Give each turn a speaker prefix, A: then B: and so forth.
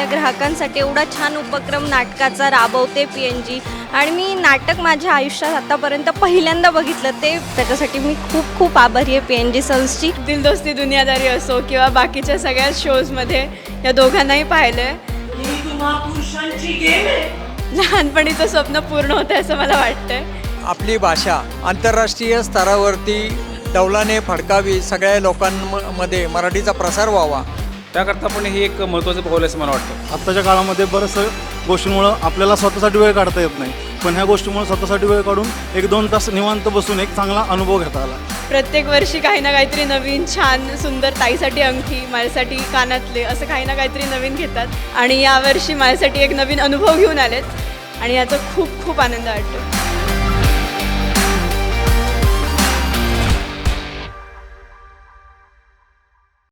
A: ग्राहकांसाठी एवढा छान उपक्रम नाटकाचा राबवते PNG आणि मी नाटक माझ्या आयुष्यात आतापर्यंत पहिल्यांदा बघितलं ते त्याच्यासाठी मी खूप खूप आभारी आहे PNG सल्सची.
B: दिल दोस्ती दुनियादारी असो किंवा बाकीच्या सगळ्या शोजमध्ये या दोघांनाही पाहिलं आहे. लहानपणीचं स्वप्न पूर्ण होतं असं मला वाटतंय.
C: आपली भाषा आंतरराष्ट्रीय स्तरावरती डौलाने फडकावी, सगळ्या लोकांमध्ये मराठीचा प्रसार व्हावा.
D: त्याकरता पण हे एक महत्त्वाचं पाऊल असं मला वाटतं.
E: आत्ताच्या काळामध्ये बरंचसं गोष्टींमुळं आपल्याला स्वतःसाठी वेळ काढता येत नाही, पण ह्या गोष्टीमुळे स्वतःसाठी वेळ काढून 1-2 तास निवांत बसून एक चांगला अनुभव घेता आला.
B: प्रत्येक वर्षी काही ना काहीतरी नवीन छान सुंदर, ताईसाठी अंगठी, माझ्यासाठी कानातले, असं काही ना काहीतरी नवीन घेतात आणि यावर्षी माझ्यासाठी एक नवीन अनुभव घेऊन आलेत आणि याचा खूप खूप आनंद वाटतो.